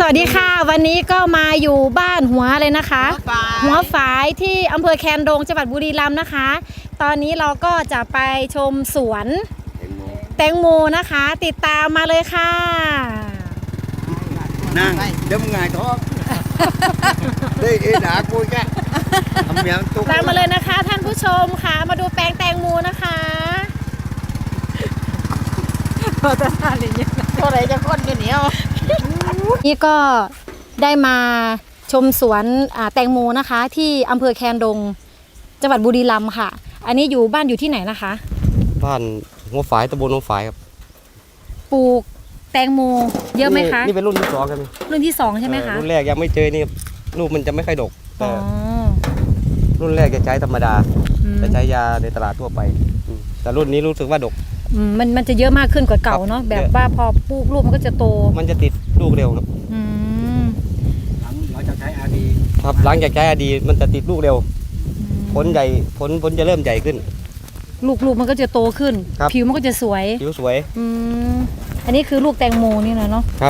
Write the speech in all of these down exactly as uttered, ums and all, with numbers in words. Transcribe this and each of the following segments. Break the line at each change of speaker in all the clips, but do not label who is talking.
วัสดีค่ะวันนี้ก็มาอยู่บ้านหัวเลยนะคะหัวฝายที่อำเภอแคนดงจังหวัดบุรีรัมย์นะคะ ตอนนี้เราก็จะไปชมสวนแตงโมนะคะ ติดตามมาเลยค่ะ
นั่งเดี๋ยวมึงไงท้องได้เอ็ดาคุยกันทำยังตุ๊ก
ตามมาเลยนะคะท่านผู้ชมค่ะมาดูแปลงแตงโมนะคะโอ้จะทานอะไรเนี่ยโอะไรจะก้นกันเหนียวนี่ก็ได้มาชมสวนแตงโมนะคะที่อำเภอแคนดงจังหวัดบุรีรัมย์ค่ะอันนี้อยู่บ้านอยู่ที่ไหนนะคะ
บ้านหัวฝายตำบลหัวฝายครับ
ปลูกแตงโมเยอะไหมคะ
นี่เป็นรุ่นที่สองครับ
รุ่นที่สองใช่ไหมคะ
รุ่นแรกยังไม่เจอนี่ลูกมันจะไม่ค่อยดก
อ๋อ
รุ่นแรกจะใช้ธรรมดาจะใช้ยาในตลาดทั่วไปแต่รุ่นนี้รู้สึกว่าดก
มันมันจะเยอะมากขึ้นกว่าเก่าเนาะแบบว่าพอปลูกลูกมันก็จะโต
มันจะติดลูกเร็วครับ
หลังเราจะใช้อาดี
ครับหลังจากใช้อาดีมันจะติดลูกเร็วผลใหญ่ผลผลจะเริ่มใหญ่ขึ้น
ลูกลูกมันก็จะโตขึ้นผิวมันก็จะสวย
ผิวสวย
อืมอันนี้คือลูกแตงโมนี่นะเนาะ
ครับ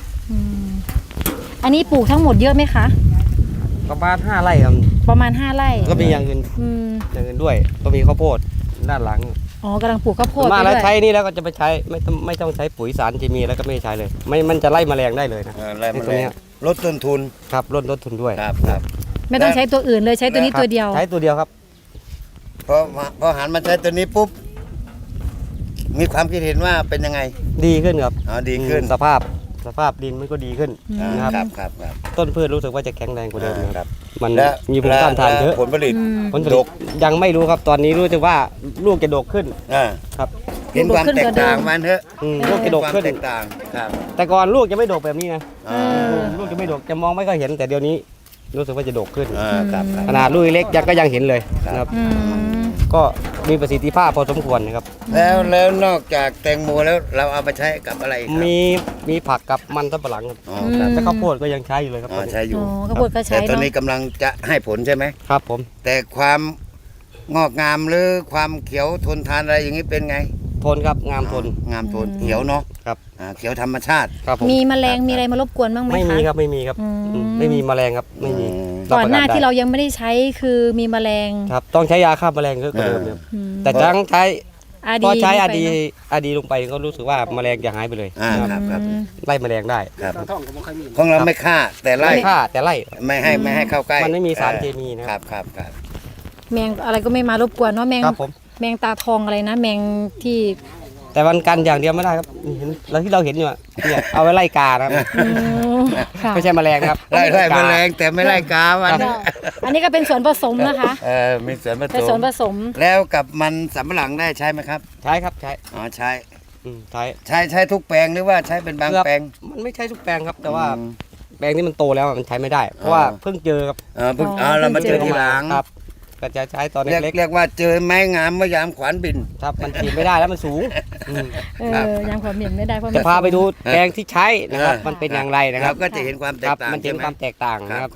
อันนี้ปลูกทั้งหมดเยอะไหมคะ
ประมาณห้าไร่ครับ
ประมาณห้าไร่
ก็มีอย่างอื่นอย่างอื่นด้วยก็มีข้าวโพดด้านหลัง
อ๋อกำลังปลูกข้าวโพด
มาแล้วใช้นี่แล้วก็จะไปใช้ไม่ต้องไม่ต้องใช้ปุ๋ยสารเคมีแล้วก็ไม่ใช้เลยไม่มันจะไล่แมลงได้เลยนะ
ไล่แมลงลดต้นทุน
ครับลดลดทุนด้วย
ครับครับ
ไม่ต้องใช้ตัวอื่นเลยใช้ตัวนี้ตัวเดียว
ใช้ตัวเดียวครับ
พอพอหันมาใช้ตัวนี้ปุ๊บมีความคิดเห็นว่าเป็นยังไง
ดีขึ้นครับ
อ๋อดีขึ้น
สภาพสภาพดินมันก็ดีขึ้น
นะครับครับครับ
ต้นพืชรู้สึกว่าจะแข็งแรงกว่าเดิมนะครับมันมีภูมิต้านทานเยอะ
ผลผลิต
ผลผลิตยังไม่รู้ครับตอนนี้รู้สึกว่าลูกจะดกขึ้นครับ
เห็นความแตกต่างมันเถอะ
ลูกจะดกขึ้น
แตกต่างครับ
แต่ก่อนลูกจะไม่ดกแบบนี้นะลูกจะไม่ดกจะมองไม่ค่อยเห็นแต่เดี๋ยวนี้รู้สึกว่าจะดกขึ้นขนาดลูกเล็กยังก็ยังเห็นเลยครับก็มีประสิทธิภาพพอสมควรนะครับ
แล้วแล้วนอกจากแตงโมแล้วเราเอาไปใช้กับอะไร
มีมีผักกับมันสำปะหลังครับแต่ข้าวโพดก็ยังใช้อยู่เลยครับ
ใช้อยู่
ข้าวโพดก็ใช้
แต่ตอนนี้กำลังจะให้ผลใช่ไหม
ครับผม
แต่ความงอกงามหรือความเขียวทนทานอะไรอย่างนี้เป็นไง
ทนครับงามทน
งามทนเขียวเนาะ
ครับ
เขียวธรรมชาติ
ครับ
มีแมลงมีอะไรมารบกวนบ้างไหมคะ
ไม่มีครับไม่มีครับไม่มีแมลงครับไม่มี
ก่อนหน้าที่เรายังไม่ได้ใช้คือมีแมลง
ครับต้องใช้ยาฆ่าแมลงก็เดิมครับแต่จังใช้พอใช้อาดีอาดีลงไปก็รู้สึกว่าแมลงจะหายไปเลย
ครับครับ
ไล่แมลงได้
ครับของเราไม่ฆ่าแต่ไล่
ฆ่าแต่ไล่
ไม่ให้ไม่ให้เข้าใกล้
มันไม่มีสารเคมีนะครับ
ครับครับ
แมงอะไรก็ไม่มารบกวนเนาะแมงแมงตาทองอะไรนะแมงที่
แต่วันกันอย่างเดียวไม่ได้ครับเห็นเราที่เราเห็นอยู่เนี่ยเอาไว้ไล่กาครับไม่ใช่แมลงครับ
ไล่ไล่แมลงแต่ไม่ไล่กาวัน
อันนี้ก็เป็นส่วนผสมนะคะ
เออมีส่วนผสม
เป็นส่วนผสม
แล้วกับมันสำปะหลังได้ใช้ไหมครับ
ใช้ครับใช้
อ๋อใช้
ใช้
ใช้ใช้ทุกแปลงหรือว่าใช้เป็นบางแปลง
มันไม่ใช่ทุกแปลงครับแต่ว่าแปลงที่มันโตแล้วมันใช้ไม่ได้เพราะว่าเพิ่งเจอครับ
เออเพิ่งอ๋อเรามาเจอทีหลัง
ครับก็จะใช้ตอนเล็ก
เรียกว่าเจอไม้งามเมื่อยามขวานบิน
ครับมันฉีดไม่ได้แล้วมันสูง
เออยามขวานบินไม่ได้เพราะ
จะพาไปดูแปลงที่ใช้นะครับมันเป็นอย่างไรนะครับ
ก็จะเห็นความแตกต่าง
มันเห็นความแตกต่างนะครับ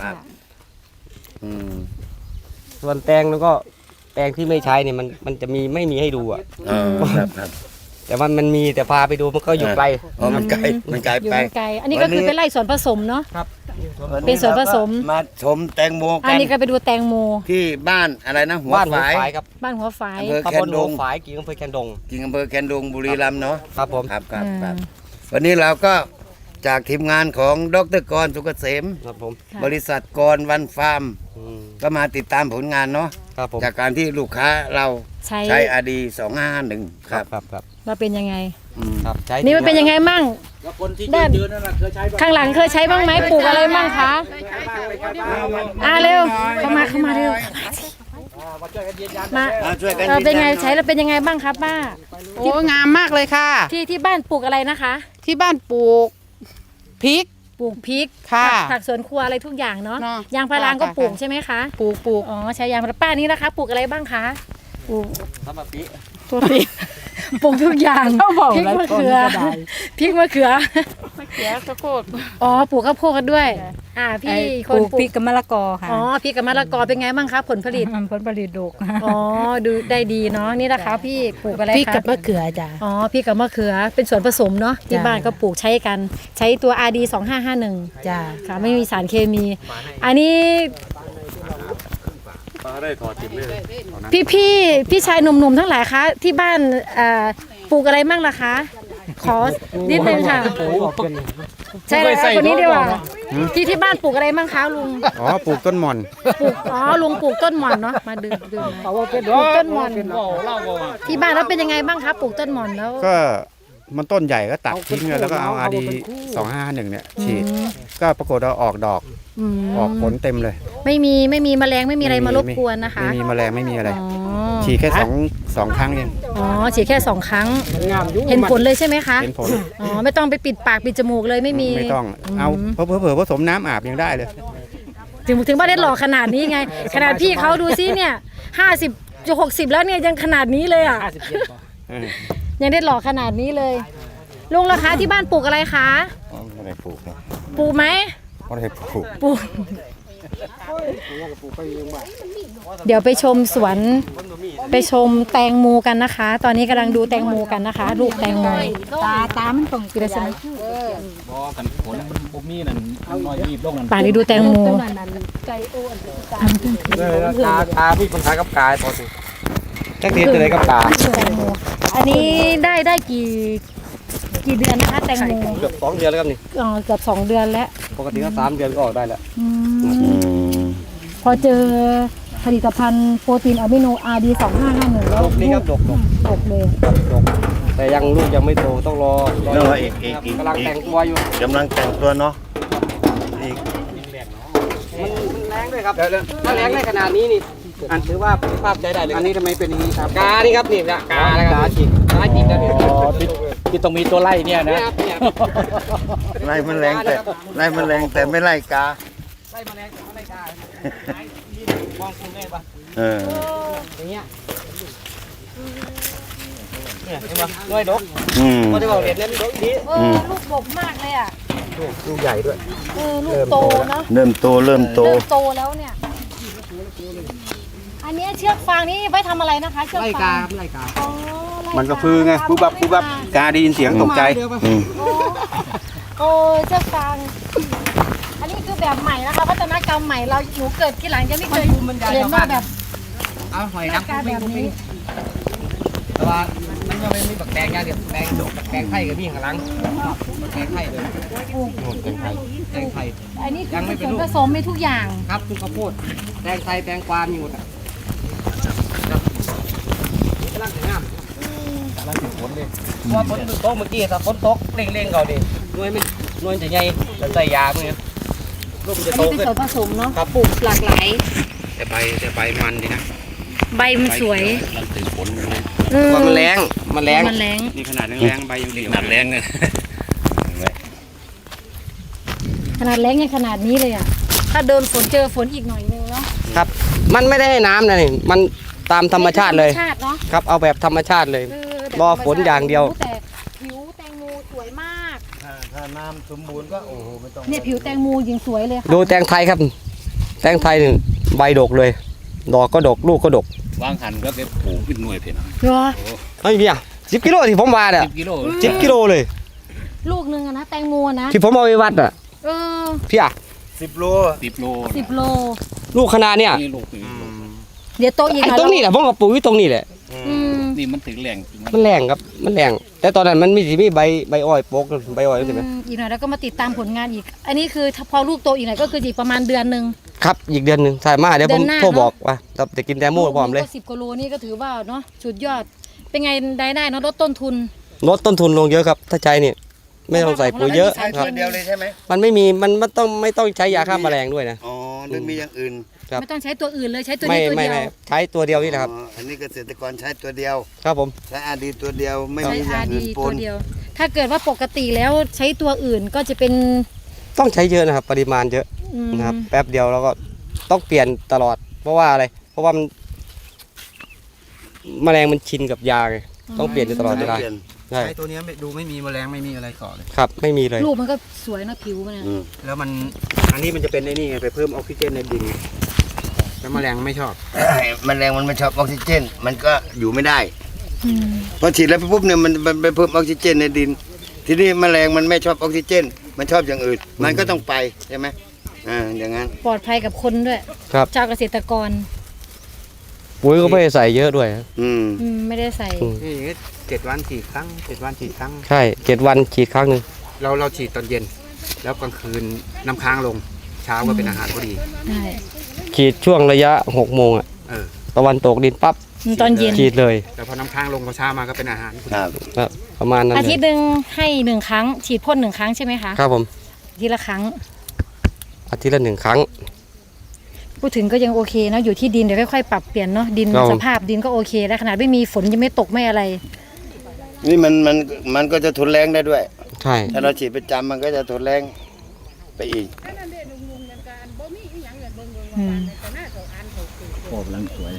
ส่วนแตงแล้วก็แปลงที่ไม่ใช้เนี่ยมันมันจะมีไม่มีให้ดูอ่ะแต่ว่ามันมีแต่พาไปดูมันก็อยู่ไกล
อ๋อมันไกลมันไกลไป
ไกลอันนี้ก็คือเป็นไร่ส่วนผสมเนาะ
ครับ
เป็นส่วนผสม
มาชมแตงโมกัน
อันนี้ก็ไปดูแตงโม
ที่บ้านอะไรนะหัวฝาย
ครับ
บ้านหัวฝาย
อำเภอแคนดง
ฝายกิ่งอำเภอแคนดง
กิ่งอำเภอแคนดงบุรีรัมย์เนาะ
ครับผม
ครับครับครับวันนี้เราก็จากทีมงานของดร.กรสุกเกษม
ครับผม
บริษัทกรวันฟาร์มก็มาติดตามผลงานเนาะจากการที่ลูกค้าเราใช้อาดีสองห้าห้าหนึ่งครับ
ครับครับ
ว่าเป็นยังไง
ครับใช้
นี่มันเป็นยังไงมั่งด้านข้างหลังเคยใช้บ้างไหมปลูกอะไรบ้างคะอ่าเร็วเข้ามาเข้ามาเร็วมาเป็นไงใช้แล้วเป็นยังไงบ้างครับป้า
โอ้งามมากเลยค่ะ
ที่ที่บ้านปลูกอะไรนะคะ
ที่บ้านปลูกพริก
ปลูกพริก
ค่ะ
ผักสวนครัวอะไรทุกอย่างเนาะยางพาราก็ปลูกใช่ไหมคะ
ปลูกปลูก
อ๋อใช้ยางพาราป้านี่นะคะปลูกอะไรบ้างคะปลูก
ทับปะปี
ตัวปีปลูกทุกอย่างพริกมะเขือพริกมะเขือ
เสียข้าวโพด
อ๋อปลูกข้าวโพดกันด้วย อ่าพี่
ไอ้
ค
ป
น
ลูก
ปลู
พริ
ก
กกับมะละกอค่ะ
อ๋อพริกกับมะละกอเป็นไงบ้างครับผลผลิต
ผลผลิตดก
อ๋อดูได้ดีเนาะนี่นะคะพี่ปลูกอะไร
พริก
คะ
กับมะเขือจ้ะ
อ๋อพริกกับมะเขือเป็นส่วนผสมเนาะที่
จ้ะ
บ้านก็ปลูกใช้กัน ใช้ตัว อาร์ ดี สองห้าห้าหนึ่ง
จ้ะ
ค่ะไม่มีสารเคมี อันนี้พี่พี่พี่ชายหนุ่มๆทั้งหลายคะที่บ้านเอ่อปลูกอะไรมั่งล่ะคะ ขอนิดนึงค่ะ ใช่เลยค่ะคนนี้ดีกว่าที่ที่บ้านปลูกอะไรมั่งคะลุง
อ๋อปลูกต้นหม่อน
ปลูกอ๋อลุงปลูกต้นหม่อนเนาะมาดื่มดื่มปลูกต้นหม่อนที่บ้านแล้วเป็นยังไงบ้างคะปลูกต้นหม่อนแล้ว
ก็มันต้นใหญ่ก็ตัดทิ้งเลยแล้วก็เอาอาดีสองห้าหนึ่งเนี่ยฉีดก็ปรากฏว่าออกดอก
อืม
ออกผลเต็มเลย
ไม่มีไม่มีแมลงไม่มีอะไรมารบกวนนะคะ
ไม่มีแมลงไม่มีอะไร
อ๋อ
ฉีดแค่สองสองครั้งเอง
อ๋อฉีดแค่สองครั้งเห็นผลเลยใช่ไหมคะ
เห็นผล
อ๋อไม่ต้องไปปิดปากปิดจมูกเลยไม่มี
ไม่ต้องเอาเผื่อเผื่อผสมน้ำอาบยังได้เลย
ถึงถึงว่าได้หล่อขนาดนี้ไง ขนาดพี่เขาดูซิเนี่ยห้าสิบจะหกสิบแล้วเนี่ยยังขนาดนี้เลยอ่ะ
เออ
ยังได้หล่อขนาดนี้เลยลุงราคาที่บ้านปลูกอะไรคะ
ไม่ได้ปลูกนะ
ปลูกไหม
ไม่ได้ปลูก
ปลูกเดี๋ยวไปชมสวนไปชมแตงโมกันนะคะ ตอนนี้กำลังดูแตงโมกันนะคะ ลูกแตงโม
ตาตามันตรง
กินได้ใช่ไหม
บ่กันผลผมมีนั่นน้อยรีบลงนั่น
ป่านนี้ดูแตงโม
กาตาพี่คนขายกับกายพอสิจักทีจะได้กับกา
แตงโมอันนี้ได้ได้กี่กี่เดือนนะคะแตงโม
เกือบสองเดือนแล้วครับนี่
อ๋อเกือบสองเดือนแล้ว
ปกติก็สามเดือนก็ออกได้แล้ว
อืมพอเจอผลิตภัณฑ์โปรตีนอะมิโน อาร์ ดี สองห้าห้าหนึ่งแล้ว
ดกนี่ครับดกดก
ตกเลย
ครับดกแต่ยังลูกยังไม่โตต้องรอร
เนาะอีกอีกอีก
กำลังแต่งตัวอยู่
กำลังแต่งตัวเนาะอีก
มันมันแรงด้วยครับถ้าแรงได้ขนาดนี้นี่อันถือว่าภาพใจได้เลยอันนี้ทำไมเป็นอย่างนี้ครับกานี่ครับนี่นะกาแล้วครับกาจิกกาจิกแล้วนี่
อ๋อที่ที่ต้องมีตัวไล่เนี่ยนะ
ครับเนี่ย
ไล่แมลงแต่ไล่แมลงแต่ไม่ไล่กา
ไล่แมลงแต่ไม่ไล่กามองคุณแม่ปะ
เออ
อย่างเงี้ยเนี่ยเห็นปะน้อยดก
อืม
พอได้บอกเด็ดเล่นดกดี
เออลูกดกมากเลยอ่ะ
ลูกใหญ่ด้วย
เออลูกโตเนาะ
เริ่มโตเริ่มโต
เริ่มโตแล้วเนี่ย อันนี้เชือกฟางนี่ไว้ทำอะไรนะคะเชือก
ไล่
ฟาก
าง ครับไล่กา
อ๋อไล่
มันก็คือไงปุ๊บบับปุ๊บบับกาได้ยินเสียงตกใจ
อืม
โอ้โอ้เชือกฟาง อันนี้คือแบบใหม่นะคะวัฒนกรรมใหม่เราหนูเกิดที่หลังยังไม่เคยเรียนว่าแบบ
เอาหอย
หน้า
น้ำ
ตาแบบนี้
แต่ว่ามันยังไม่มีบักแตงยาเดียวแตงดกบักแตงไทยกับพี่ข้างหลังบักแตงไทยเลยแตงไทยแตงไทย
อันนี้คื
ยัง
อ
ไม่เป็
ส่
น
วน
ลูก
ผสมมีทุกอย่าง
ครับทุกข้าวโพดแตงไทยแตงกวามีหมดอ่ะกำลังถึงงามกำลังถึงฝนเลยเพราะว่าฝนตกเมื่อกี้ถ้าฝนตกเร่งๆเขาดิหน่วยมันหน่วยจะใหญ่จะใส่ยาพวกนี้ลูกมันจะ
อัน
โต
นี้เป็น
ขึ้น
ส่วนผสมเนาะ
ครับ
ปลูกหลากหลาย
แต่ใบแต่ใบมันดีนะ
ใบมันสวย
มันถึงผลเลย
เออ
ว่ามันแรงมันแรง
มันแรง
นี่ขนาดแรงๆใบยังดี
หนัดแรงเนี่ย
ขนาดแรงยังขนาดนี้เลยอ่ะ ถ้าเดินฝนเจอฝนอีกหน่อยนึงเนาะ
ครับ มันไม่ได้ให้น้ำนะนี่มันตามธรรมชาติเลย
ธรรมชาติเนาะ
ครับเอาแบบธรรมชาติเลย
เแบบ
รอฝนอย่างเดียว
แต่ผิวแตงโมสวยมาก
ถ้าถ้าน้ำสมบูรณ์ก็โอ้โหไม่ต้อง
เนี่ยผิวแตงโมยิงสวยเลยค่ะ
ดูแตงไทยครับ แตงไทยนี่ใบดกเลย ดอกก็ดกลูกก็ดก
วางหันก็ไปปลูกเป็นหน่วยเพ่น
เหรอ
เฮ้ยพี่อ่ะสิบกิโลที่ผมว่าเนี่ย
สิบกิโล
สิบกิโลเลย
ลูกหนึงอะนะแตงโมนะ
ที่ผมเอาไปวัดอ่ะ
เออ
พี่อ่ะ
สิบโล
สิบโล
สิบโล
ลูกขนาดเนี่ย
นี่ลูกนี่ลูก
เดี๋ยวโตอีก
ไอ้
หน่อย
ตรงนี้แหละผมก็ปลูกอยู่ตรงนี้แหละ
อืม
นี่มันถึงแรงจริง
มันแรงครับมันแรงแต่ตอนนั้นมันมีสิมีใบใบอ้อยโปกใบอ้อยใช่ไหม
อืมอีกหน่อยแล้วก็มาติดตามผลงานอีก อันนี้คือถ้าพอลูกโตอีกหน่อยก็คืออีกประมาณเดือนหนึ่ง
ครับอีกเดือนหนึ่งใช่มาเดี๋ยวผม
เดือนหน้า
โทร
เนอะ
บอกว่าเราจะกินแตงโมพร้อมเลย
สิบกิโลนี่ก็ถือว่าเนาะสุดยอด เป็นไงได้ได้เนาะลดต้นทุน
ลดต้นทุนลงเยอะครับ ถ้าใช้นี่ไม่ต้องใส่ปุ๋ยเยอะ
ใช้
ครับ
ตัวเดียวเลยใช่ไหม
มันไม่มีมันไม่ต้องไม่ต้องใช้ยาฆ่าแมลงด้วยนะ
อ๋อหรือมีอย่างอื่น
ครับ
ไม่ต้องใช้ตัวอื่นเลยใช้ตัว
ไม่
นี้ตัว
ไม่
เดียว
ไม่ใช้ตัวเดียวนี่นะครับ
อ๋ออันนี้เกษตรกรใช้ตัวเดียว
ครับผม
ใช้อาดีตัวเดียวไม่
ใช้
มีอ
อา
ย่าง
ดี
อื่นป
ตัวน เดียว ถ้าเกิดว่าปกติแล้วใช้ตัวอื่นก็จะเป็น
ต้องใช้เยอะนะครับ ปริมาณเยอะ
อืม
นะครับแป๊บเดียวแล้วก็ต้องเปลี่ยนตลอด เพราะว่าอะไร เพราะว่ามันแมลงมันชินกับยาไงต้องเปลี่ยนอยู่ตลอดเวลา
เปลี่ยน
ใช่
ใช้ตัวเนี้ยไม่ดูไม่มีแมลงไม่มีอะไรเกาะเลย
ครับไม่มีเลย
รูปมันก็สวยนะผิวมันเนี่ย
อืม
แล้วมันอันนี้มันจะเป็นไอ้นี่ไงไปเพิ่มออกซิเจนในดินไงแล้วแมลงไม่ชอบ
แมลงมันไม่ชอบออกซิเจน มันก็อยู่ไม่ได้
อืม
พอฉีดแล้วปุ๊บเนี่ยมันมันไปเพิ่มออกซิเจนในดิน ทีนี้แมลงมันไม่ชอบออกซิเจน มันชอบอย่างอื่น มันก็ต้องไปใช่ไหมอ่าอย่างนั้น
ปลอดภัยกับคนด้วย
ครับ
ชาวเกษตรกร
ปุ๋ยก็ไม่ได้ใส่เยอะด้วยครับ
อืม
อืมไม่ได้ใส่
อืม
นี่อย่างงี้เจ็ดวันฉีดครั้งเจ็ดวันฉีดครั้ง
ใช่เจ็ดวันฉีดครั้งหนึ่ง
เราเราฉีดตอนเย็น แล้วกลางคืนน้ำค้างลง เช้าก็เป็นอาหารพอดี
ใช่
ฉีดช่วงระยะหกโมงอะ
เออ
ตะวันตกดินปั๊บ
ตอนเย็น
ฉีดเลย
แต่พอน้ำค้างลงพอเช้ามาก็เป็นอาหารพอ
ค
ดี
รับ
ครับประมาณนั้น
อา
เล
ทิต
ย
ย์หนึ่งให้หนึ่งครั้ง ฉีดพ่นหนึ่งครั้งใช่ไหมคะ
ครับผม
ทีละครั้ง
อาทิตย์ละหนึ่งครั้ง
พูดถึงก็ยังโอเคเนอะอยู่ที่ดินเดี๋ยวค่อยๆปรับเปลี่ยนเนาะดิน
ครับ
สภาพดินก็โอเคแล้วขนาดไม่มีฝนยังไม่ตกไม่อะไร
นี่มันมันมันก็จะทนแรงได้ด้วย
ใช่
ถ้าเราฉีดประจำมันก็จะทนแรงไปอีก
อืม
โอ้กำลังสวย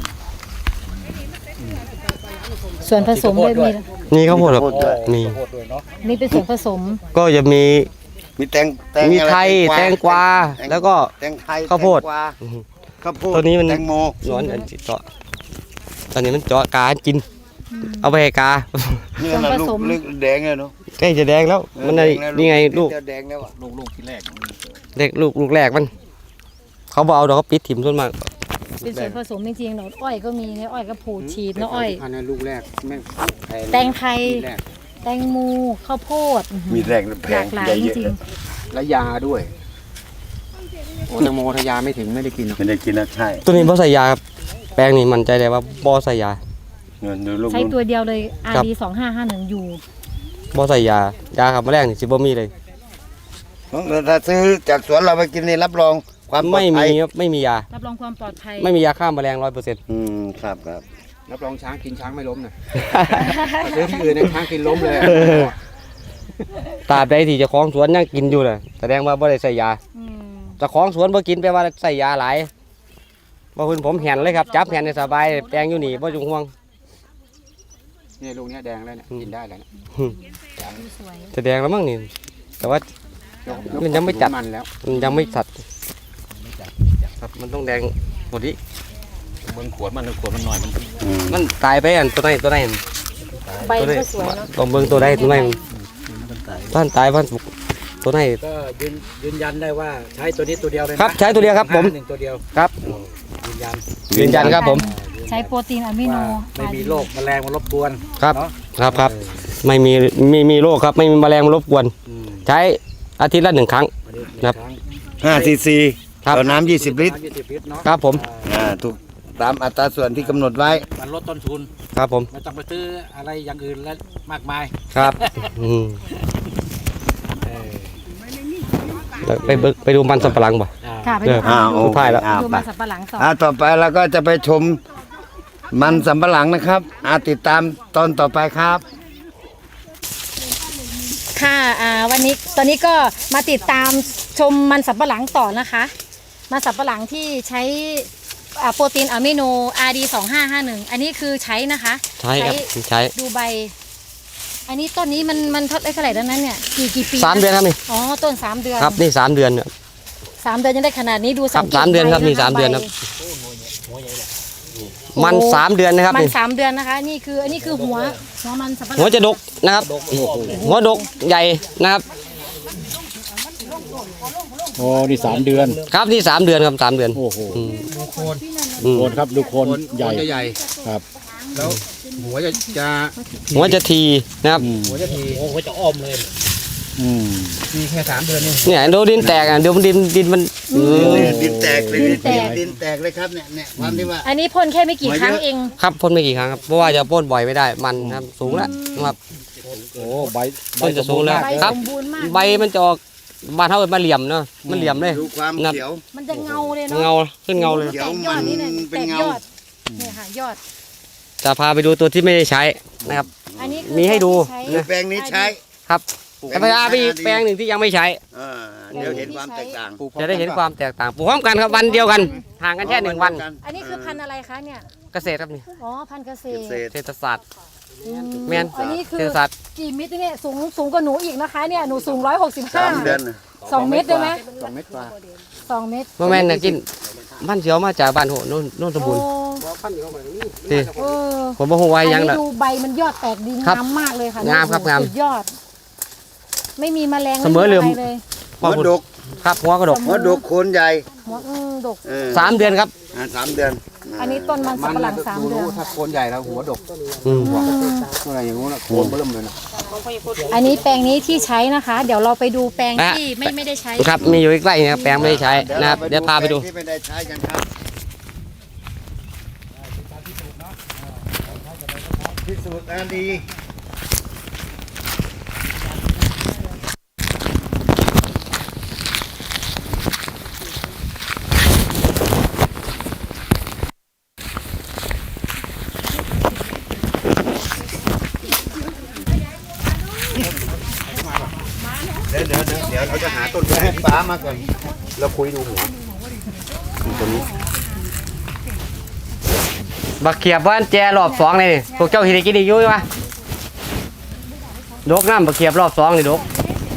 ส่วนผสมด้วยมี
นี่ข้าวโพดครับ
ข้าวโพดด้วย
มี
โคตรด้วยเนาะ
นี่เป็นส่วนผสม
ก็จะมี
มีแตงแตง
มี
อะไร
ไทยแตงกวา
แตง
แล้วก็
แตงไทย
ข้าวโพด
แตงกวาข้าวโพด
ตัวนี้มัน
แตงโม
ร้อนอันจิเจาะตอนนี้มันเจาะกากิน เอาไปให้กา
นี่นะ
ส่วนผ
ลู
ส
ก
ม
ลึกแดงเลยเนาะ
ใกล้จะแดงแล้ว มัน
แด
ไอ้
งแล้ว
นี่ไงลูก
จะแดงแล้วอ่ะ
ลูกลูกที่แรก
เด็กลูกลูกแรกมัน เขาบอกเอาดอกเขาปิดถิ่มส่วนมาก
เป็นส่วนผสมจริงๆเนาะอ้อยก็มีเนี่ยอ้อยก็ผูดฉีดเนาะอ้อย
อันนั้นลูกแรกแม่งพ
แตงไทย
ลูกแรก
แตงโมข้าวโพด
มีแรงแพ
หลาง กหลาย
ใหญ่
จ
เยอะ
ริง
และยาด้วย โอ้แตงโมทายาไม่ถึงไม่ได้กินหรอก
ไม่ได้กินนะใช่
ตัวนี้บ่ใส่ยาครับแปลงนี่มั่นใจเลยว่าบ่ใส่ยา
เงินดูลูก
ๆใช้ตัวเดียวเลย
ครับ
อาร์ ดี สองห้าห้าหนึ่งอยู่
บ่ใส่ยายาขับแมลงนี่สิบ่มีเลย
ถ้าซื้อจากสวนเราไปกินนี่รับรองความปลอ
ไม่
ดภั
มี
ย
ครับไม่มียา
รับรองความปลอดภัย
ไม่มียาฆ่าแมลงร้อยเปอร์เซ็นต์
อืมครับครับ
รับรองช้างกินช้างไม่ล้มนะซื้อที่อื่นเนยช้างกินล้มเลย
ตราบใดที่เจ้าของสวนยังกินอยู่เลยแสดงว่าบ่ได้ใส่ยา
อืม
เจ้าของสวนบ่กินแปลว่าใส่ยาหลายบ่คุณผมแห่นเลยครับจับแห่นให้สบายแปลงอยู่นี่บ่ต้องห่วง
เนี่ยลูกเนี้ยแดงแล้วเนี่ยกินได้แล้วเนี่ย
สวย
แสดงแล้วมั้งนี่แต่ว่า
ยก
มันยังไม่จัด
มันแล้ว
มันยังไม่สัดครับมันต้องแดงหมดนี้
เบิ่งขวดมันขวดมันหน่อยมัน
อืม
มันตายไปอันตัวไหนตัวไหน
ใบก็สวยเนาะ
ลองเบิ่งตัวใดตัวไหนบ้านตายบ้านสุกตัวไหน
ก็ยืนยืนยันได้ว่าใช้ตัวนี้ตัวเดียวเลย
ครับใช้ตัวเดียวครับผม
หนึ่งตัวเดียว
ครับ
ยืนยัน
ยืนยันครับผม
ใช้โปรตีนอะมิโน
ว่าไม่มีโรคแมลงมารบกวน
ครับ
เนาะ
ครับครับไม่มีมีมีโรคครับไม่มีแมลงมารบกวน
อืม
ใช้อาทิตย์ละหนึ่งครั้ง
อันนี้
ครับ
ง
ห้าซีซี
ครับ
ต่อน้ำยี่สิบลิตร
น้ำยี่สิบลิตรเนาะ
ครับผม
อ่าถูกตามอัตราส่วนที่กำหนดไว้
มันลดต้นทุน
ครับผม
ไม่ต้องไปซื้ออะไรอย่างอื่นและมากมาย
ครับอืม
เออ
ไปเบิ่งไปดูมันสำปะหลังบ่
อ่า
ค่ะไป
เอ
ดู
อ
อ้าว
สุ
โอ
ดท้ายแล้ว
อ้าว
ดู
ไป
มันสับปะหลังต่อ
อ่าต่อไปเราก็จะไปชมมันสำปะหลังนะครับอาติดตามตอนต่อไปครับ
ค่ะอ่าวันนี้ตอนนี้ก็มาติดตามชมมันสับปะหลังต่อนะคะ มันสับปะหลังที่ใช้อ่าโปรตีนอะมิโน อาร์ ดี สองห้าห้าหนึ่ง อันนี้คือใช้นะคะ
ใช้ครับใช้
ดูใบ อันนี้ต้นนี้มันมันเท่าเท่าไหร่แล้วนั้นเนี่ยกี่กี่ปี
สามเดือนครับนี่
อ๋อต้นสามเดือน
ครับนี่สามเดือนเนี่ย
สามเดือนยังได้ขนาดนี้ดูสังเกต
สามเดือนครับ
ใะะ
นี่สามเดือนครับ
ใ
มัน
โอ้
สามเดือนนะครับ
มัน
นี่
สามเดือนนะคะ นี่คืออันนี้คือหัวหัวมันสับปะหลัง
หัวจะดกนะครับหัวดกใหญ่นะครับ
โอ้นี่สามเดือน
ครับนี่สามเดือนครับสามเดือน
โอ้โห
อืม
โคน
อืม
โคนครับดูโคนใหญ่
โคนจะใหญ่
ครับ
แล้วหัวจะจะ
หัวจะทีนะครับ
อืม
หัวจะที
โอ้โหจะอ้อมเลย
อืม
มีแค่สามเดือนนี่
เนี่ยดูดินแตกอ่ะเดี๋ยวมันดินดินมันเออ
ดินแตกเลย
ดินแตก
ดินแตกเลยครับเนี่ยเนี่ยความที่ว่า
อันนี้พ่นแค่ไม่กี่ครั้งเอง
ครับพ่นไม่กี่ครั้งครับเพราะว่าจะพ่นบ่อยไม่ได้มันนะครับสูงแล้วนะครับ
โอ้ใบ
ต้นจะสูงแล้ว
ใบ
ครั
ส
บ
มบูรณ์มาก
ใบมันจะออกบ้านเท่ามาเหลี่ยมเนาะมันเหลี่ยมเลย
ดูความ
ครับ
เขียว
มันจะเงาเลยเนาะ
เงาขึ้นเงาเลย
เขีย
แต
ว
กยอดนี่เนี่ย
มันเป็
แต
น
ก
เงา
ยอดเนี่ยค่ะยอด
จะพาไปดูตัวที่ไม่ได้ใช้นะครับ
อันนี้คือ
มีให้ดู
ใช้
คือแปลงนี้ใช้
ครับแต่พาไปอีกแปลงหนึ่งที่ยังไม่ใช้
เออเดี๋ยวเห็นความแตกต่าง
จะได้เห็นความแตกต่างปลูกพร้อมกันครับวันเดียวกันห่างกันแค่หนึ่งวัน
อันนี้คือพันธุ์อะไรคะเนี่ย
เกษตรครับนี่
อ๋อพันธุ์เกษ
เก
ตร
ษตร
เศรษฐศาสตร์แม่น
อันนี้คือ
เจอสัตว์
กี่มิตรเนี่ยสูงสูงกว่าหนูอีกนะคะเนี่ยหนูสูงร้อยหกสิบห้า
สามเดือนน่ะ
สองเมตรได้ไหม
สองเมตรกว่า
สองเมตร
บ่แม่นน่ะกินมันเสียวมาจากบ้านโหโน่นโน่นสมบูรณ์
โอ้
สิ
เออ
ผมบ่ฮู้ว่า
อัน
หยัง
นี้
ล่ะ
ดูใบมันยอดแตกดี
ครับ
งามมากเลยค่ะ
งามครับ
โอ้โห
งาม
สุดยอด ไม่มีแมลง
เสมอเหลื่อม
ไะไรเลย
หัวดก
ครับหัวกระดก
หัวดกโคนใหญ่
หัวอืมดก
เออ
สามเดือนครับ
อ่าสามเดือน
อันนี้ต้นมันสับปะหลังสามเดือน
ถ้าโคนใหญ่แล้วหัวดก
อืม
อะไรอย่างงู้นโคนเบิ่มเลยนะ
อันนี้แปลงนี้ที่ใช้นะคะ เดี๋ยวเราไปดูแปลงที่ไม่ไม่ได้ใช้
ครับมีอยู่ใกล้ๆนะครับแปลงไม่ได้ใช้นะครับเดี๋ยวพาไปดู
ที่ไม่ได้ใช้กันครับพิสูจน์อันดี เดี๋ยวเดี๋ยวเดี๋ยวเดี๋ยวเราจะหาต้นไม้ให้ป้ามาก่อนเราคุยดูหัวตัวนี้
บักเขียบว่านแจรอบสองเลยนี่พวกเจ้าที่ได้กินอีกอยู่ไหมดกน้ำบักเขียบรอบสองนี่ดก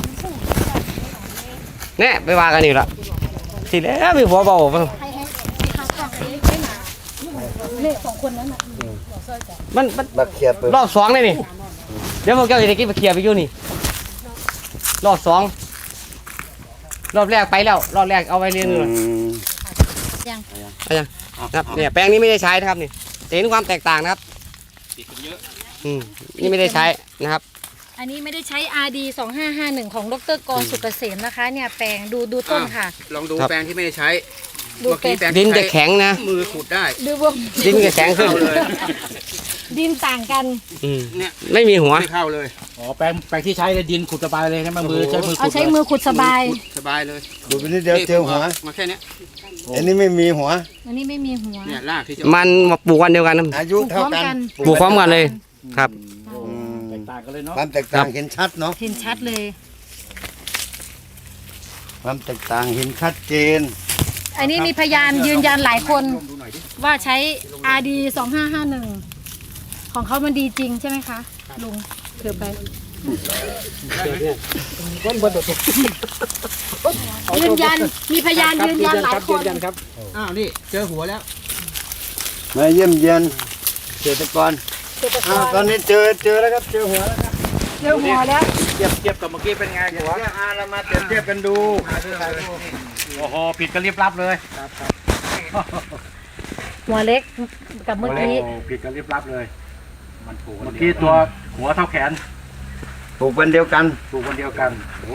เนี่ยไปว่ากันอีกละสิแล้วมีหัวเบา
ให้ให้ให้เขากลับไปให้หนาเนี่ยสองคนนั้นน่ะ
มันมัน
บักเขียบเปิด
รอบสองเลยนี่เดี๋ยวพวกเจ้าที่ได้กินบักเขียบอีกอยู่นี่รอบสองรอบแรกไปแล้วรอบแรกเอาไว้เรียน
อื
เลย
ม
ยัง
เอายังครับเนี่ยแปลงนี้ไม่ได้ใช้นะครับนี่จะเห็นความแตกต่างนะครับอืมนี่ไม่ได้ใช้นะครับ
อันนี้ไม่ได้ใช้ อาร์ ดี สองห้าห้าหนึ่ง ของดรกรสุกเกษมนะคะ เนี่ยแปลงดูดูต้นค่ะ
ลองดู
ครับ
แปลงที่ไม่ได้ใช้
ดูแปลง
ดินจะแข็งนะ
มือขุดได้
ดูวง
ดินจะแข็งขึ้น
ดินต่างกัน
อืมไม่มีหัว
ไม่เข้าเลย
อ๋อแปลงแปลงที่ใช้เลยดินขุดสบายเลยนะมือใช้มือ
เอา
ขุด
ใช้
เลย
มือขุดสบาย
สบายเลย
ดูไปนิดเดียวเจอหัว
มาแค่เนี้ย
อันนี้ไม่มีหัว
อันนี้ไม่มีหัว
เนี่ยรากที่จะ
มันมาปลูกวันเดียวกันนะ
อายุเท่ากัน
ปลูกพร้อมกันเลยครับ
อืม
แตกต่างกันเลยเนาะ
ความแตกต่างเห็นชัดเนาะ
เห็นชัดเลย
ความแตกต่างเห็นชัดเจน
อันนี้มีพยานยืนยันหลายคนว่าใช้ อาร์ ดี สองห้าห้าหนึ่ง ของเขามันดีจริงใช่ไหมคะลุงถือไปยืนยันมีพยานยืนยันหลายคน
อ้าวนี่เจอหัวแล้ว
มาเยี่ยมเยียนเกษตรกรอ้าวตอนนี้เจอเจอแล้วครับเจอหัวแล้วครับ
เจอหัวแล้ว
เทียบเทียบกับเมื่อกี้เป็นไง
เดี๋ยว
หัว
อาเรามาเปรียบเทียบกันดู
โอ้โหปิดกันเรียบรับเลย
หัวเล็กกับเมื่อกี้
โอ้ปิดกันเรียบรับเลยมันปลูกเมื่อกี้ตัวหัวเท่าแขน
ปลูกวันเดียวกัน
ปลูกคนเดียวกันโอ้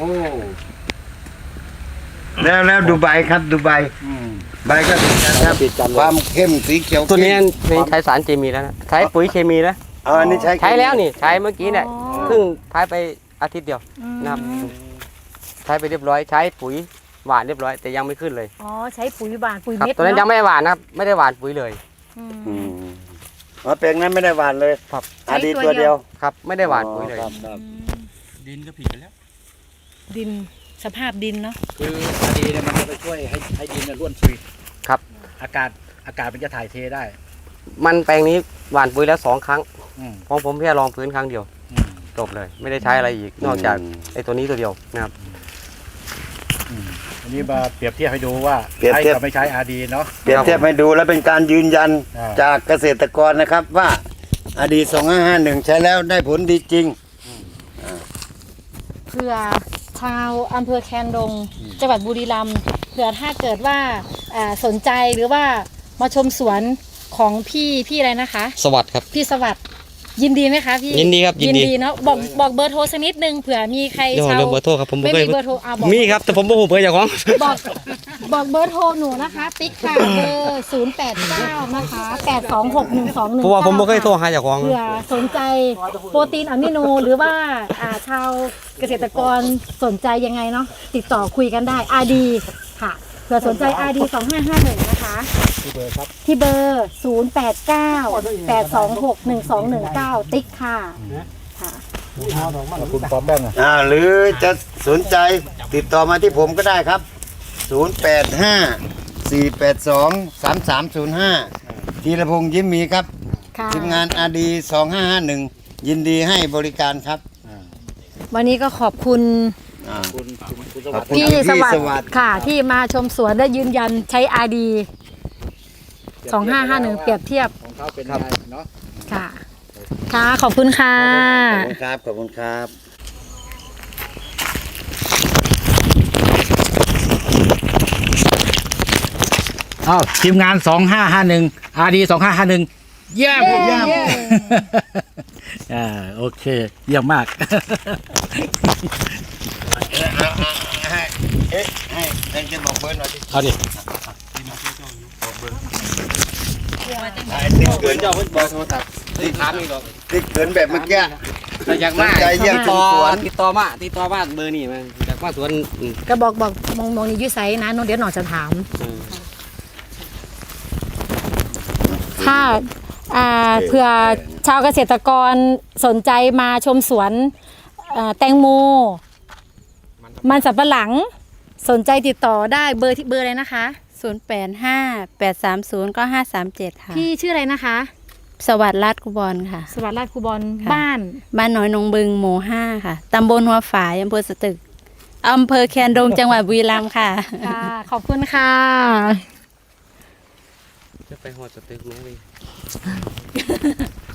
แล้วแล้วดูใบครับดูใบ
อืม
ใบก็ติดกันครับความเข้มสีเขียว
ตัวนี้
เข้ม
ไม่ใช้สารเคมีแล้วนะใช้ปุ๋ยเคมีแล้ว
เอาอันนี้ใช้
ใช้แล้วนี่ใช้เมื่อกี้เนี่ยเพิ่งใช้ไปอาทิตย์เดียวนะครับใช้ไปเรียบร้อยใช้ปุ๋ยหวานเรียบร้อยแต่ยังไม่ขึ้นเลย
อ๋อใช้ปุ๋ยหวานปุ๋ย
ครับ
เม็ด
ตัวนั้นยัง
เนาะ
ไม่ได้หวานนะครับไม่ได้หวานปุ๋ยเลย
อืม
อืมอ๋อแปลงนั้นไม่ได้หวานเลย
ครับ
อาดี
ใช้ตั
ตัว ว
เดี
เดี
ย
ยว ว
ครับไม่ได้หวานปุ๋ยเลย
ครับครับ
ดินก็ผิดกันแล้ว
ดินสภาพดินเนาะ
คืออดีเนี่ยมันจะไปช่วยให้ให้ดินเนี่ยร่วนซุย
ครับ
อากาศอากาศมันจะถ่ายเทได้
มันแปลงนี้หวานปุ๋ยแล้วสองครั้ง
อืม
ของผมแค่ลองพื้นครั้งเดียว
อืม
จบเลย ไม่ได้ใช้อะไรอีกนอกจากไอ้ตัวนี้ตัวเดียวนะครับ
อืมอันนี้มาเปรียบเทียบให้ดูว่า
เปรียบ
ใช้
เทียบ
กับไม่ใช้อาดีเนาะ
เปรียบเทียบให้ดูแล้วเป็นการยืนยัน
อ่า
จากเกษตรกรนะครับว่าอดีสองห้าห้าหนึ่งใช้แล้วได้ผลดีจริง
เผื่อชาวอำเภอแคนดงจังหวัดบุรีรัมย์เผื่อถ้าเกิดว่าอ่าสนใจหรือว่ามาชมสวนของพี่พี่อะไรนะคะ
สวัสดีครับ
พี่สวัสดิ์ยินดีไหมคะพี่
ยินดีครับยินดี
เนาะบอกบอกเบอร์โทรสักนิดนึงเผื่อมีใคร
เดี๋ยว
ชาว
เรื่องเบอร์โทรครับผมบ่
ไม่
เคย
มีเบอร์โทรอ่ะบอก
มีครับแต่ผมบ่ฮู้เบอร์เจ้าของ
บอกบอกเบอร์โทรหนูนะคะติ๊กค่ะเบอร์ศูนย์แปดเก้านะคะแปดสองหกหนึ่งสองหนึ่ง
เพราะว่าผมบ่เคยโทรหาเจ้าของ
เผื่อสนใจโปรตีนอะมิโนหรือว่าอ่าชาวเกษตรกรสนใจยังไงเนาะติดต่อคุยกันได้ อาร์ ดี ค่ะเผื่อสนใจ อาร์ ดี สองห้าห้าหนึ่งนะคะที่เบอร์ครับที่เบอร์ศูนย์แปดเก้าแปดสองหกหนึ่งสองหนึ่งเก้าติ๊กค่ะค่ะ
คุณพร้อมแป้งอ่ะ
อ่าหรือจะสนใจติดต่อมาที่ผมก็ได้ครับ ศูนย์ แปด ห้า สี่ แปด สอง สาม สาม ศูนย์ ห้า ธีรพงษ์ยิ้มมีครับ
ค่ะ
ทีมงานอาดีสองห้าห้าหนึ่งยินดีให้บริการครับ
วันนี้ก็ขอบคุณ
อ่า
พี่
พี่
สวัส
ส
ดิ์
วัสดิ์
ค่ะ ที่มาชมสวนและยืนยันใช้อาดีสองห้าห้าหนึ่งเปรียบเทียบ
ของเขาเป็นไงเนาะ
ค่ะ ค่ะ ขอบคุณค่ะ
ขอบคุณครับ ขอบคุณครับ
อ้าวทีมงานสองห้าห้าหนึ่งอาร์ดีสองห้าห้าหนึ่งเยี่ยมเยี่ยมอ่าโอเค เยี่ยมมาก
ให้เอ๊ะให้ให้จะบอกเบอร์หน่อยดิ
เอาดิ
ให้ติ๊กเกิน
เจ้าเพิ่นบอกโทรศัพท์ติดถามอีกหรอก
ติ๊กเกินแบบเมื่อกี้
แต่อยากมา
สนใจเยี่ยมช
ติด
ม
ต่อ
สวน
ติดต่อมาติดต่อมาเบอร์นี่มาอยากมาสวนอืม
ก็บอกบอกมองมองนี่อยุ่ไซนะน้องเดี๋ยวหน่อยจะถาม
อืม
ถ้าอ่าเผื่อชาวเกษตรกรสนใจมาชมสวนเอ่อแตงโม มันสับปะหลังสนใจติดต่อได้เบอร์ที่เบอร์อะไรนะคะ
ศูนย์แปดห้าแปดสามศูนย์ก็ห้าสามเจ็ดค่ะ
พี่ชื่ออะไรนะคะ
สวัสดิ์รัตน์กุบลค่ะ
สวัสดิ์ราชคูบอล
ค่ะ
บ้าน
บ้านน้อยนงบึงหมู่ห้าค่ะ ตำบลหัวฝายอำเภอสตึก อำเภอแคนดงจังหวัดบุรีรัมย์ค่ะ
ค่ะ ขอบคุณค่ะ
จะไปหอดสเต็กไหมพี่